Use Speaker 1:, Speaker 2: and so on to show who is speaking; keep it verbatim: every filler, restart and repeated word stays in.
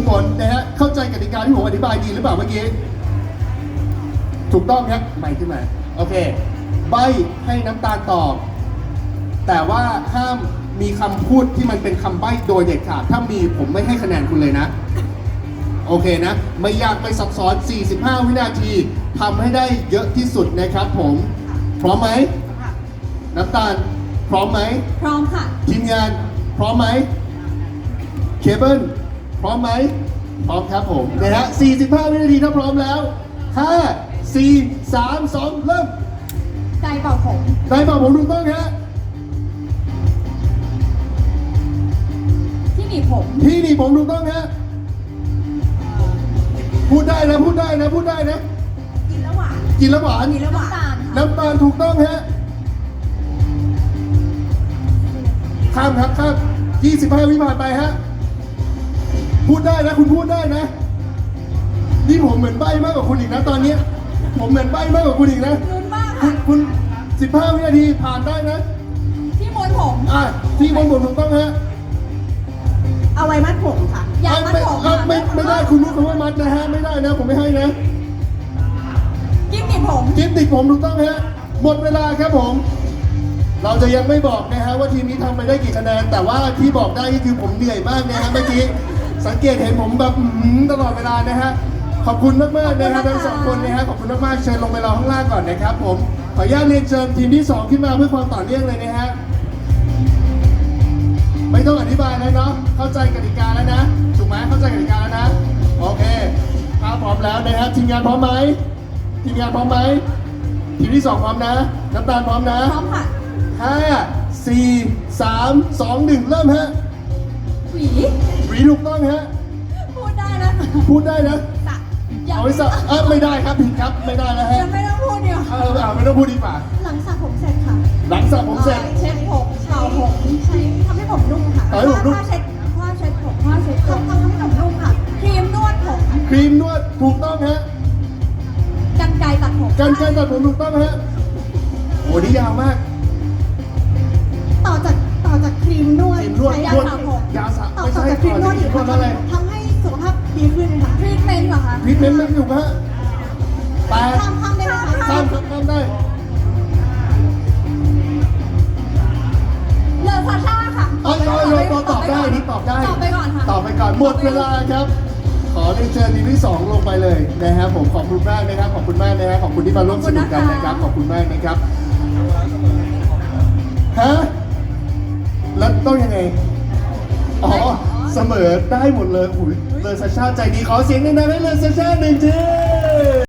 Speaker 1: ฝนนะฮะเข้าใจกติกาที่ผมอธิบายดีหรือเปล่าเมื่อกี้ถูกต้องครับใหม่ขึ้นมาโอเคใบให้น้ำตาลตอบแต่ว่าห้ามมีคำพูดที่มันเป็นคำใบ้โดยเด็ดขาดถ้ามีผมไม่ให้คะแนนคุณเลยนะโอเคนะไม่ยากไม่ซับซ้อนสี่สิบห้าวินาทีทำให้ได้เยอะที่สุดนะครับผมพร้อมไหมน้ำตาลพร้อมไหม
Speaker 2: พร้อมค่ะ
Speaker 1: ทีมงานพร้อมไหมเคเบิลพร้อมไหมพร้อมครับผมนะฮะสี่สิบห้าวินาทีถ้าพร้อมแล้วห้า สี่ สาม สองเริ่ม
Speaker 2: ไดเป่าผม
Speaker 1: ไดเป่าผมถูกต้องฮะ
Speaker 2: ที่หนีบผม
Speaker 1: ที่หนีบผมถูกต้องฮะพูดได้นะพูดได้นะพูดได้นะ
Speaker 2: กินแล้วหวาน
Speaker 1: กินแล้วหวาน
Speaker 2: กินแล้วหวาน
Speaker 1: น้ำตาลถูกต้องฮะข้ามครับข้ามยี่สิบห้าวิผ่านไปฮะพูดได้นะคุณพูดได้นะนี่ผมเหมือนใบ้มากกว่าคุณอีกนะตอนนี้ผมเหมือนใบ้มากกว่าคุณอีกนะ
Speaker 2: ลุ้นมาก
Speaker 1: คุ
Speaker 2: ค่ะ
Speaker 1: ณคุณสิบห้าวินาทีผ่านได้นะ
Speaker 2: ที่ม้วนผม
Speaker 1: อ่ะที่ม้วนผมถูกต้องฮะ
Speaker 2: เอาไว้มัดผมค่ะยางมัดผม
Speaker 1: ไม่ไม่ได้คุณรู้คำว่ามัดนะฮะไม่ได้นะผมไม่ให้นะ
Speaker 2: กิ๊บติดผม
Speaker 1: กิ๊บติดผมถูกต้องฮะหมดเวลาครับผมเราจะยังไม่บอกนะฮะว่าทีมนี้ทำไปได้กี่คะแนนแต่ว่าที่บอกได้ก็คือผมเหนื่อยมากนะฮะเมื่อกี้สังเกตเห็นผมแบบตลอดเวลานะฮะขอบคุณมากมากนะฮะทั้งสองคนนะฮะขอบคุณมากมากเชิญลงไปรอข้างล่างก่อนนะครับผมขออนุญาตเรียนเชิญทีมที่สองขึ้นมาเพื่อความต่อเนื่องเลยนะฮะไม่ต้องอธิบายแล้วเนาะเข้าใจกติกาแล้วนะถูกไหมเข้าใจกติกาแล้วนะโอเคถ้าพร้อมแล้วนะฮะทีมงานพร้อมไหมทีมงานพร้อมไหมทีมที่สองพร้อมนะน้ำตาลพร้อมนะ
Speaker 2: พร้อมค่ะ
Speaker 1: ห้า สี่ สาม สอง หนึ่งเริ่มฮะ
Speaker 2: หวี
Speaker 1: หวีถูกต้องฮะ
Speaker 2: พูดได้นะ
Speaker 1: พูดได้นะเอาไว้สักเออไม่ได้ครับผิดครับไม่ได้แล้วฮะ
Speaker 2: ยังไม่ต้องพูดเดียว
Speaker 1: เออเอาไม่ต้องพูดดีกว่า
Speaker 2: หลังสระผมเสร็จค่ะ
Speaker 1: หลังสระผมเสร็จ
Speaker 2: เช็ดผมเป่าผมใช้ทำให้ผมนุ่มค่ะผ้าเช็ดผ้าเช็ดผมผ้าเช็ดผมทำให้ผมนุ่มค่ะครีมนวดผม
Speaker 1: ครีมนวดถูกต้องฮะ
Speaker 2: กรรไกรตัดผม
Speaker 1: กรรไกรตัดผมถูกต้องฮะโอ้นี่ยาวมาก
Speaker 2: ต่อจากต่อจากครีมนวด
Speaker 1: ใช้
Speaker 2: ยาสระผม
Speaker 1: ยาสระ
Speaker 2: ต่อจากครีมนวดอีกค่ะทำให้สุขภาพดีขึ้นค่ะทรีทเมนต์เหรอคะ
Speaker 1: ทรีทเมนต์ไม่ถูกฮะแต่
Speaker 2: ข้ามข้ามได้ไหมคะ
Speaker 1: ข้ามข้ามได้
Speaker 2: เลอซาชาค่ะ
Speaker 1: ตอบได้ตอบได้นี่ตอบได้
Speaker 2: ตอบไปก่อนค่ะ
Speaker 1: ตอบไปก่อนหมดเวลาครับขอเรียนเชิญทีมที่สองลงไปเลยนะครับผมขอบคุณมากนะครับขอบคุณมากนะครับขอบคุณที่มาร่วมสนุกกันนะครับขอบคุณมากนะครับฮะแล้วต้องยังไงอ๋อเสมอได้หมดเลยอุ้ยเลอซาชาใจดีขอเสียงดังๆให้เลอซาชาหนึ่งที